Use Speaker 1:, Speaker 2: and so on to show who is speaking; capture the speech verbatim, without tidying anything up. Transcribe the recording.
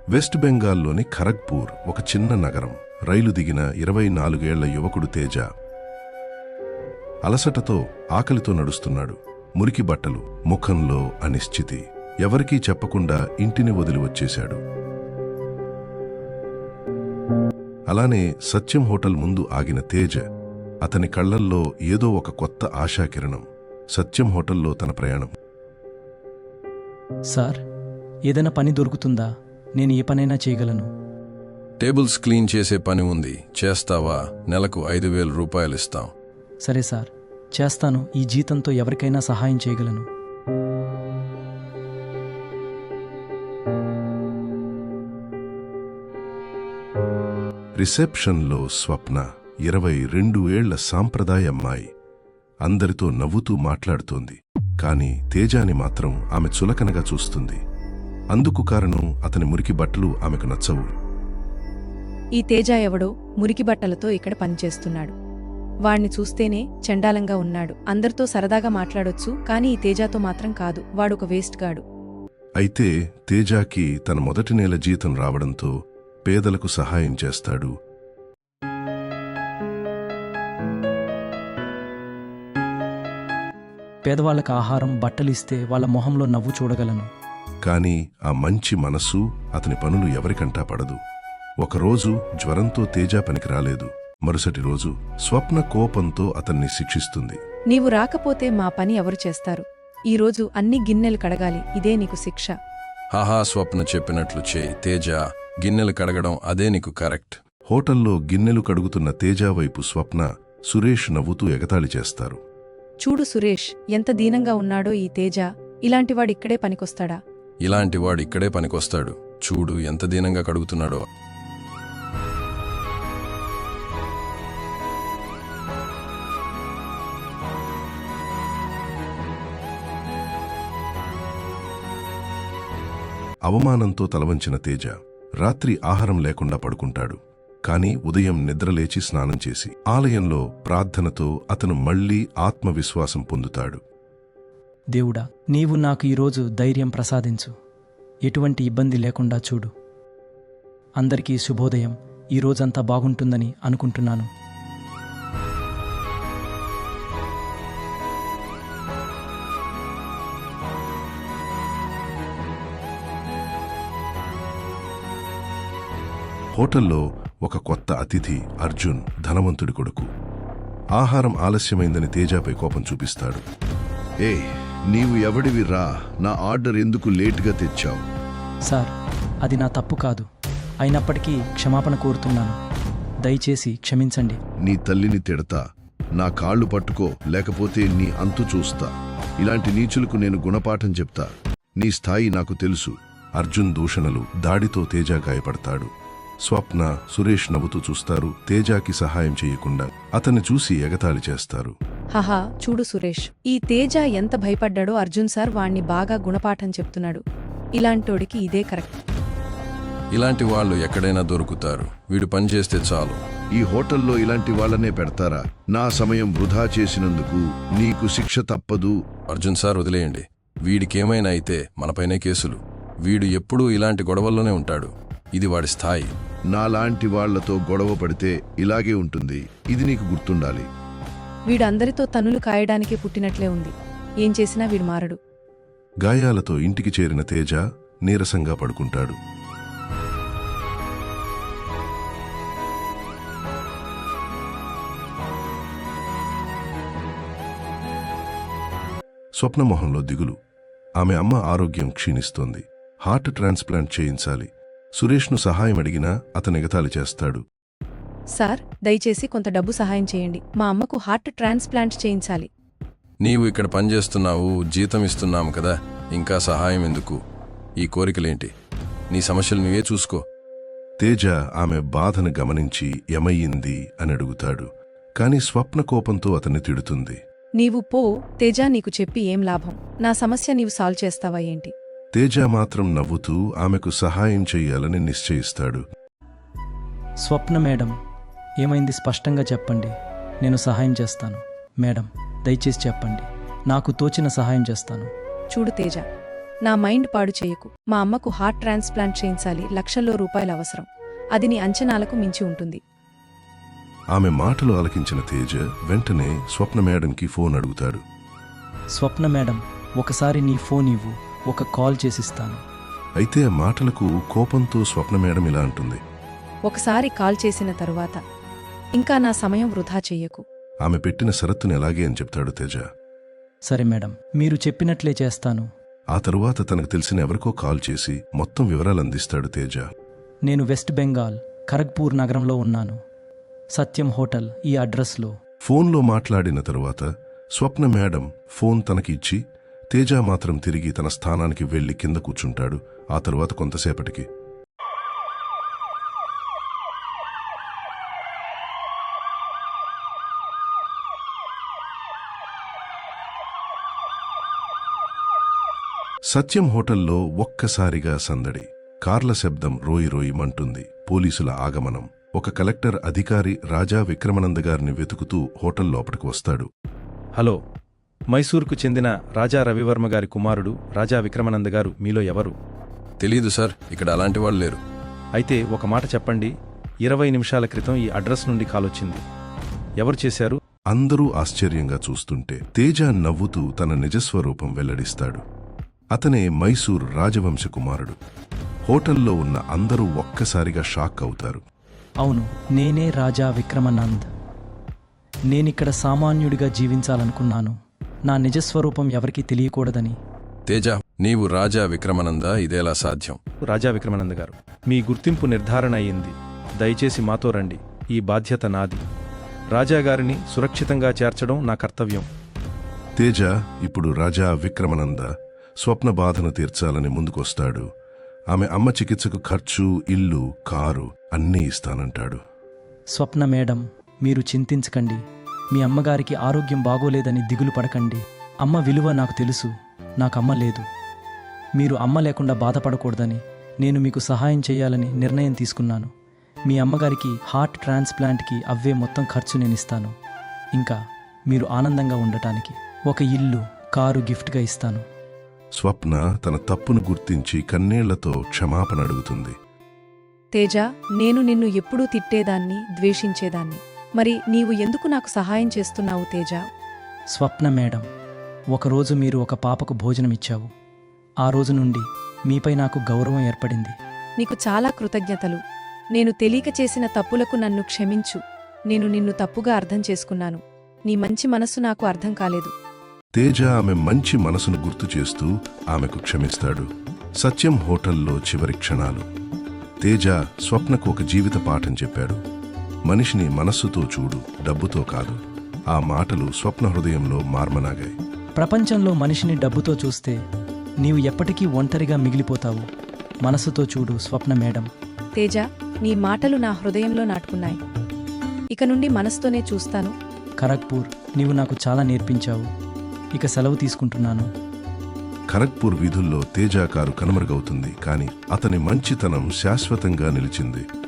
Speaker 1: West బెంగాల్లోని ఖరగ్పూర్ ఒక చిన్న నగరం. రైలు దిగిన ఇరవై నాలుగేళ్ల యువకుడు తేజ అలసటతో ఆకలితో నడుస్తున్నాడు. మురికి బట్టలు, ముఖంలో అనిశ్చితి. ఎవరికీ చెప్పకుండా ఇంటిని వదిలి వచ్చేశాడు. అలానే సత్యం హోటల్ ముందు ఆగిన తేజ అతని కళ్లల్లో ఏదో ఒక కొత్త ఆశాకిరణం. సత్యం హోటల్లో తన ప్రయాణం.
Speaker 2: సార్, ఏదైనా పని దొరుకుతుందా? నేను ఏ పనైనా చేయగలను.
Speaker 3: టేబుల్స్ క్లీన్ చేసే పని ఉంది, చేస్తావా? నెలకు ఐదు వేల రూపాయలు ఇస్తాం.
Speaker 2: సరే సార్, చేస్తాను. ఈ జీతంతో ఎవరికైనా సహాయం చేయగలను.
Speaker 1: రిసెప్షన్లో స్వప్న, ఇరవై రెండు ఏళ్ల సాంప్రదాయ అమ్మాయి. అందరితో నవ్వుతూ మాట్లాడుతోంది. కాని తేజాని మాత్రం ఆమె చులకనగా చూస్తుంది. అందుకు కారణం అతని మురికి బట్టలు ఆమెకు నచ్చవు.
Speaker 4: ఈ తేజ ఎవడో మురికి బట్టలతో ఇక్కడ పనిచేస్తున్నాడు. వాణ్ణి చూస్తేనే చండాలంగా ఉన్నాడు. అందరితో సరదాగా మాట్లాడొచ్చు, కాని ఈ తేజాతో మాత్రం కాదు. వాడొక వేస్ట్ గాడు.
Speaker 1: అయితే తేజాకి తన మొదటి నెల జీతం రావడంతో పేదలకు సహాయం చేస్తాడు.
Speaker 2: పేదవాళ్లకు ఆహారం, బట్టలిస్తే వాళ్ళ మొహంలో నవ్వు చూడగలను.
Speaker 1: కాని ఆ మంచి మనస్సు అతని పనులు ఎవరికంటా పడదు. ఒకరోజు జ్వరంతో తేజ పనికి రాలేదు. మరుసటి రోజు స్వప్న కోపంతో అతన్ని శిక్షిస్తుంది.
Speaker 4: నీవు రాకపోతే మా పని ఎవరు చేస్తారు? ఈరోజు అన్ని గిన్నెలు కడగాలి. ఇదే నీకు శిక్ష.
Speaker 3: హాహా, స్వప్న చెప్పినట్లు చేయి తేజ. గిన్నెలు కడగడం అదే నీకు కరెక్ట్.
Speaker 1: హోటల్లో గిన్నెలు కడుగుతున్న తేజ వైపు స్వప్న, సురేష్ నవ్వుతూ ఎగతాళి చేస్తారు.
Speaker 4: చూడు సురేష్, ఎంత దీనంగా ఉన్నాడో ఈ తేజ. ఇలాంటివాడిక్కడే పనికొస్తాడా?
Speaker 3: ఇలాంటివాడు ఇక్కడే పనికొస్తాడు. చూడు ఎంత దీనంగా కడుగుతున్నాడో.
Speaker 1: అవమానంతో తలవంచిన తేజ రాత్రి ఆహారం లేకుండా పడుకుంటాడు. కాని ఉదయం నిద్రలేచి స్నానం చేసి ఆలయంలో ప్రార్థనతో అతను మళ్లీ ఆత్మవిశ్వాసం పొందుతాడు.
Speaker 2: దేవుడా, నీవు నాకు ఈరోజు ధైర్యం ప్రసాదించు. ఎటువంటి ఇబ్బంది లేకుండా చూడు. అందరికీ శుభోదయం. ఈరోజంతా బాగుంటుందని అనుకుంటున్నాను.
Speaker 1: హోటల్లో ఒక కొత్త అతిథి అర్జున్, ధనవంతుడి కొడుకు. ఆహారం ఆలస్యమైందని తేజాపై కోపం చూపిస్తాడు.
Speaker 5: ఏ, నీవు ఎవడివి రా? నా ఆర్డర్ ఎందుకు లేటుగా తెచ్చావు?
Speaker 2: సార్, అది నా తప్పు కాదు. అయినప్పటికీ క్షమాపణ కోరుతున్నాను. దయచేసి క్షమించండి.
Speaker 5: నీ తల్లిని తిడతా, నా కాళ్ళు పట్టుకో, లేకపోతే నీ అంతు చూస్తా. ఇలాంటి నీచులకు నేను గుణపాఠం చెప్తా. నీ స్థాయి నాకు తెలుసు.
Speaker 1: అర్జున్ దూషణలు, దాడితో తేజ గాయపడతాడు. స్వప్న, సురేష్ నవ్వుతూ చూస్తారు. తేజాకి సహాయం చేయకుండా అతన్ని చూసి ఎగతాళి చేస్తారు.
Speaker 4: హహా, చూడు సురేష్, ఈ తేజ ఎంత భయపడ్డాడో. అర్జున్ సార్ వాణ్ణి బాగా గుణపాఠం చెప్తున్నాడు. ఇలాంటోడికి ఇదే కరెక్ట్.
Speaker 3: ఇలాంటి వాళ్ళు ఎక్కడైనా దొరుకుతారు. వీడు పనిచేస్తే చాలు.
Speaker 5: ఈ హోటల్లో ఇలాంటి వాళ్ళనే పెడతారా? నా సమయం వృధా చేసినందుకు నీకు శిక్ష తప్పదు.
Speaker 3: అర్జున్ సార్ వదిలేయండి. వీడికేమైనా అయితే మనపైనే కేసులు. వీడు ఎప్పుడూ ఇలాంటి గొడవల్లోనే ఉంటాడు. ఇది వాడి స్థాయి.
Speaker 5: నాలాంటి వాళ్లతో గొడవ పడితే ఇలాగే ఉంటుంది. ఇది నీకు గుర్తుండాలి.
Speaker 4: వీడందరితో తన్నులు కాయడానికే పుట్టినట్లే ఉంది. ఏం చేసినా వీడు మారడు.
Speaker 1: గాయాలతో ఇంటికి చేరిన తేజ నీరసంగా పడుకుంటాడు. స్వప్నమోహంలో దిగులు. ఆమె అమ్మ ఆరోగ్యం క్షీణిస్తోంది. హార్ట్ ట్రాన్స్ప్లాంట్ చేయించాలి. సురేష్ను సహాయం అడిగినా అతను ఎగతాళి చేస్తాడు.
Speaker 4: సార్, దయచేసి కొంత డబ్బు సహాయం చేయండి. మా అమ్మకు హార్ట్ ట్రాన్స్ప్లాంట్ చేయించాలి.
Speaker 3: నీవు ఇక్కడ పనిచేస్తున్నావు, జీతం ఇస్తున్నాము కదా, ఇంకా సహాయం ఎందుకు? ఈ కోరికలేంటి? నీ సమస్యలు నువ్వే చూసుకో.
Speaker 1: తేజ ఆమె బాధను గమనించి ఏమయ్యింది అని అడుగుతాడు. కాని స్వప్న కోపంతో అతన్ని తిడుతుంది.
Speaker 4: నీవు పో తేజ, నీకు చెప్పి ఏం లాభం? నా సమస్య నీవు సాల్వ్ చేస్తావా ఏంటి?
Speaker 1: తేజ మాత్రం నవ్వుతూ ఆమెకు సహాయం చెయ్యాలని నిశ్చయిస్తాడు.
Speaker 2: స్వప్న మేడం, ఏమైంది స్పష్టంగా చెప్పండి. నేను సహాయం చేస్తాను. మేడం, దయచేసి చెప్పండి. నాకు తోచిన సహాయం చేస్తాను.
Speaker 4: చూడు తేజ, నా మైండ్ పాడు చేయకు. మా అమ్మకు హార్ట్ ట్రాన్స్ప్లాంట్ చేయించాలి, లక్షల్లో రూపాయలు అవసరం. అది నీ అంచనాలకు మించి ఉంటుంది.
Speaker 1: ఆమె మాటలు ఆలకించిన తేజ వెంటనే స్వప్న మేడంకి ఫోన్ అడుగుతాడు.
Speaker 2: స్వప్న మేడం, ఒకసారి నీ ఫోన్ ఇవ్వు, ఒక కాల్ చేసిస్తాను.
Speaker 1: అయితే ఆ మాటలకు కోపంతో స్వప్న మేడం ఇలా అంటుంది.
Speaker 4: ఒకసారి కాల్ చేసిన తరువాత ఇంకా నా సమయం వృధా చెయ్యకు.
Speaker 1: ఆమె పెట్టిన షరతుని ఎలాగే అని చెప్తాడు తేజ.
Speaker 2: సరే మేడం, మీరు చెప్పినట్లే చేస్తాను.
Speaker 1: ఆ తరువాత తనకు తెలిసిన ఎవరికో కాల్ చేసి మొత్తం వివరాలు అందిస్తాడు తేజ.
Speaker 2: నేను వెస్ట్ బెంగాల్ ఖరగ్పూర్ నగరంలో ఉన్నాను. సత్యం హోటల్ ఈ అడ్రస్లో.
Speaker 1: ఫోన్లో మాట్లాడిన తరువాత స్వప్న మేడం ఫోన్ తనకి ఇచ్చి తేజ మాత్రం తిరిగి తన స్థానానికి వెళ్లి కింద కూర్చుంటాడు. ఆ తరువాత కొంతసేపటికి సత్యం హోటల్లో ఒక్కసారిగా సందడి. కార్ల శబ్దం రోయి రోయిమంటుంది. పోలీసుల ఆగమనం. ఒక కలెక్టర్ అధికారి రాజా విక్రమానంద గారిని వెతుకుతూ హోటల్ లోపలికి వస్తాడు.
Speaker 6: హలో, మైసూర్కు చెందిన రాజా రవివర్మ గారి కుమారుడు రాజా విక్రమానంద గారు మీలో ఎవరు?
Speaker 3: తెలీదు సార్, ఇక్కడ అలాంటి వాళ్ళు లేరు.
Speaker 6: అయితే ఒక మాట చెప్పండి, ఇరవై నిమిషాల క్రితం ఈ అడ్రస్ నుండి కాలొచ్చింది. ఎవరు చేశారు?
Speaker 1: అందరూ ఆశ్చర్యంగా చూస్తుంటే తేజ నవ్వుతూ తన నిజస్వరూపం వెల్లడిస్తాడు. అతనే మైసూర్ రాజవంశ కుమారుడు. హోటల్లో ఉన్న అందరూ ఒక్కసారిగా షాక్ అవుతారు.
Speaker 2: అవును, నేనే రాజా విక్రమానంద్. నేనిక్కడ సామాన్యుడిగా జీవించాలనుకున్నాను. నా నిజస్వరూపం ఎవరికీ తెలియకూడదని.
Speaker 3: తేజ, నీవు రాజా విక్రమానంద, ఇదేలా సాధ్యం?
Speaker 6: రాజా విక్రమానంద గారు, మీ గుర్తింపు నిర్ధారణ అయింది. దయచేసి మాతో రండి. ఈ బాధ్యత నాది. రాజాగారిని సురక్షితంగా చేర్చడం నా కర్తవ్యం.
Speaker 1: తేజ ఇప్పుడు రాజా విక్రమానంద స్వప్న బాధను తీర్చాలని ముందుకొస్తాడు. ఆమె అమ్మ చికిత్సకు ఖర్చు, ఇల్లు, కారు అన్నీ ఇస్తానంటాడు.
Speaker 2: స్వప్న మేడం, మీరు చింతించకండి. మీ అమ్మగారికి ఆరోగ్యం బాగోలేదని దిగులు పడకండి. అమ్మ విలువ నాకు తెలుసు. నాకమ్మ లేదు. మీరు అమ్మ లేకుండా బాధపడకూడదని నేను మీకు సహాయం చేయాలని నిర్ణయం తీసుకున్నాను. మీ అమ్మగారికి హార్ట్ ట్రాన్స్ప్లాంట్కి అవ్వే మొత్తం ఖర్చు నేనిస్తాను. ఇంకా మీరు ఆనందంగా ఉండటానికి ఒక ఇల్లు, కారు గిఫ్ట్గా ఇస్తాను.
Speaker 1: స్వప్న తన తప్పును గుర్తించి కన్నీళ్లతో క్షమాపణ అడుగుతుంది.
Speaker 4: తేజ, నేను నిన్ను ఎప్పుడూ తిట్టేదాన్ని, ద్వేషించేదాన్ని. మరి నీవు ఎందుకు నాకు సహాయం చేస్తున్నావు తేజ?
Speaker 2: స్వప్న మేడం, ఒకరోజు మీరు ఒక పాపకు భోజనమిచ్చావు. ఆ రోజు నుండి మీపై నాకు గౌరవం ఏర్పడింది.
Speaker 4: నీకు చాలా కృతజ్ఞతలు. నేను తెలియక చేసిన తప్పులకు నన్ను క్షమించు. నేను నిన్ను తప్పుగా అర్థం చేసుకున్నాను. నీ మంచి మనస్సు నాకు అర్థం కాలేదు.
Speaker 1: తేజ ఆమె మంచి మనసును గుర్తు చేస్తూ ఆమెకు క్షమిస్తాడు. సత్యం హోటల్లో చివరి క్షణాలు. తేజ స్వప్నకు ఒక జీవిత పాఠం చెప్పాడు. మనిషిని మనస్సుతో చూడు, డబ్బుతో కాదు. ఆ మాటలు స్వప్న హృదయంలో మార్మనాగాయి.
Speaker 2: ప్రపంచంలో మనిషిని డబ్బుతో చూస్తే నీవు ఎప్పటికీ ఒంటరిగా మిగిలిపోతావు. మనసుతో చూడు స్వప్న మేడం.
Speaker 4: తేజ, నీ మాటలు నా హృదయంలో నాటుకున్నాయి. ఇక నుండి మనసుతోనే చూస్తాను.
Speaker 2: ఖరగ్పూర్, నీవు నాకు చాలా నేర్పించావు. ఇక సెలవు తీసుకుంటున్నాను.
Speaker 1: ఖరగ్పూర్ వీధుల్లో తేజ కారు కనుమరుగవుతుంది. కాని అతని మంచితనం శాశ్వతంగా నిలిచింది.